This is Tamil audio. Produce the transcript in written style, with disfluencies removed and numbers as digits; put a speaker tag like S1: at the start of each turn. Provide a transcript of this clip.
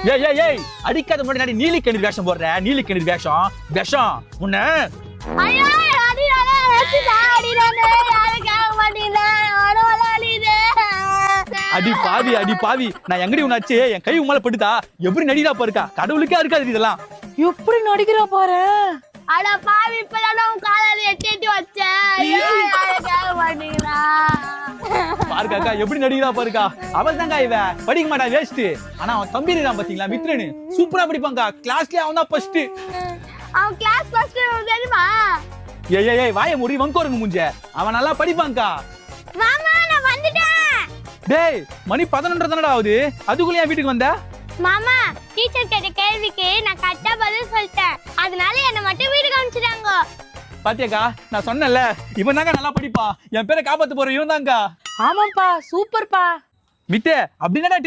S1: ஏய் ஏய் ஏய் அடிக்காத முன்னாடி நீலி கண்ணீர் வேஷம் போடுற நீலி கண்ணீர் வேஷம் விஷம் உன்ன
S2: ஐயோ அடிடானே அடிடானே யாரும் கேட்க மாட்டீங்க அடவல அடிதே
S1: அடி பாவி நான் எங்கடி உன்னாச்சு என் கை உமால படுதா எப்படி நடிடா பாருக்கா கடவுளுக்கே இருக்காது இதெல்லாம்
S3: எப்படி நடிக்கிறா பாரு.
S2: அட பாவி இப்பதான் உன் காலால எட்டி வச்சேன் ஐயோ யாரும் கேட்க மாட்டீங்களா
S1: பாருக்காக்கா எப்படி நடிக்கிறா பாருக்கா அவள் தாங்க இவ படிக்க மாட்டா வேஸ்ட் ஆனா அவன் தம்பி இருக்கான் பாத்தீங்களா மித்ரனு சூப்பரா படிப்பாங்க கிளாஸ்லயே அவன் தான் ஃபர்ஸ்ட்
S2: அவன் கிளாஸ் ஃபர்ஸ்ட் தெரியுமா
S1: ஏய் ஏய் ஏய் வாயை மூடி வங்கோருங்க மூஞ்ச அவன் நல்லா படிப்பாங்கா
S2: மாமா நான் வந்துட்டேன்
S1: டேய் மணி 11:30 தானடா ஆகுது அதுக்குள்ள என் வீட்டுக்கு வந்த
S2: மாமா டீச்சர் கேட்ட கேள்விக்கு நான் கரெக்டா பதில் சொல்லிட்டேன் அதனால என்ன மட்டும் வீட்டுக்கு அனுப்பிச்சிட்டாங்க
S1: பாத்தியாக்கா நான் சொன்னேன்ல இவன் தாங்க நல்லா படிப்பா என் பேரை காப்பாத்து போற இவன் தாங்க
S3: ஆமாப்பா சூப்பர்ப்பா
S1: விட்டு அப்படின்னா